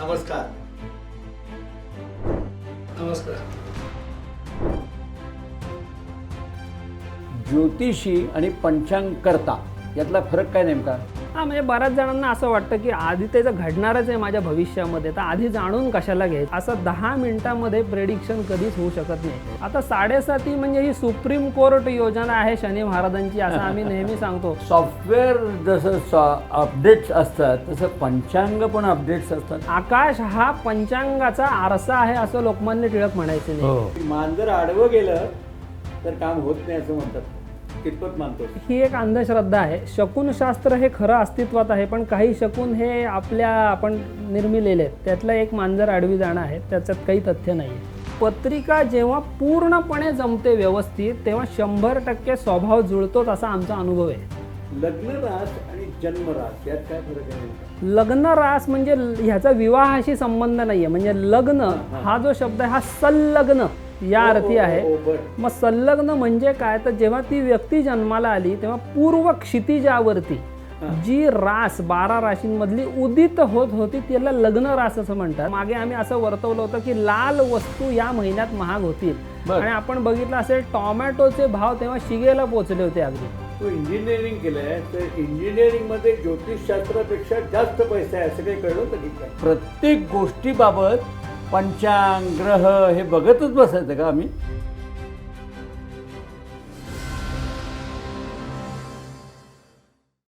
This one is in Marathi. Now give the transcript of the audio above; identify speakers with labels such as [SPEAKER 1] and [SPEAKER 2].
[SPEAKER 1] नमस्कार.
[SPEAKER 2] नमस्कार.
[SPEAKER 3] ज्योतिषी आणि पंचांगकर्ता यातला फरक काय नेमका?
[SPEAKER 2] म्हणजे बऱ्याच जणांना असं वाटतं की आधी त्याचं घडणारच आहे माझ्या भविष्यामध्ये, तर आधी जाणून कशाला घ्यायचं. असं 10 मिनिटांमध्ये प्रेडिक्शन कधीच होऊ शकत नाही. आता 7.5 म्हणजे ही सुप्रीम कोर्ट योजना आहे शनी महाराजांची, असं आम्ही नेहमी सांगतो.
[SPEAKER 3] सॉफ्टवेअर जसं अपडेट्स असतात तसं पंचांग पण अपडेट्स असतात.
[SPEAKER 2] आकाश हा पंचांगाचा आरसा आहे असं लोकमान्य टिळक म्हणायचे नाही.
[SPEAKER 3] मांजर आडवं गेलं तर काम होत नाही असं म्हणतात. कितपत मानतो?
[SPEAKER 2] ही एक अंधश्रद्धा आहे. शकुनशास्त्र हे खरं अस्तित्वात आहे, पण काही शकुन हे आपण निर्मिलेले आहेत. त्यातलं एक मांजर आडवी जाणं आहे, त्याच्यात काही तथ्य नाही. पत्रिका जेव्हा पूर्णपणे जमते व्यवस्थित तेव्हा 100% स्वभाव जुळतोच असा आमचा अनुभव आहे.
[SPEAKER 3] लग्न रास आणि जन्म रास यात काय फरक आहे?
[SPEAKER 2] लग्न रास म्हणजे ह्याचा विवाहाशी संबंध नाहीये. म्हणजे लग्न हा जो शब्द आहे हा संलग्न या अर्थी आहे. मग संलग्न म्हणजे काय, तर जेव्हा ती व्यक्ती जन्माला आली तेव्हा पूर्व क्षितिजावरती जी रास 12 राशींमधली उदित होत होती त्याला लग्न रास असं म्हणतात. मागे आम्ही असं वर्तवलं होतं की लाल वस्तू या महिन्यात महाग होतील आणि आपण बघितलं असेल टोमॅटोचे भाव तेव्हा शिगेला पोहोचले होते. अगदी
[SPEAKER 3] तू इंजिनिअरिंग केलंय तर इंजिनिअरिंग मध्ये ज्योतिषशास्त्रापेक्षा जास्त पैसा आहे असं काही कळलं होतं की काय? प्रत्येक गोष्टीबाबत पंचांग ग्रह हे बघतच बसायचं का आम्ही?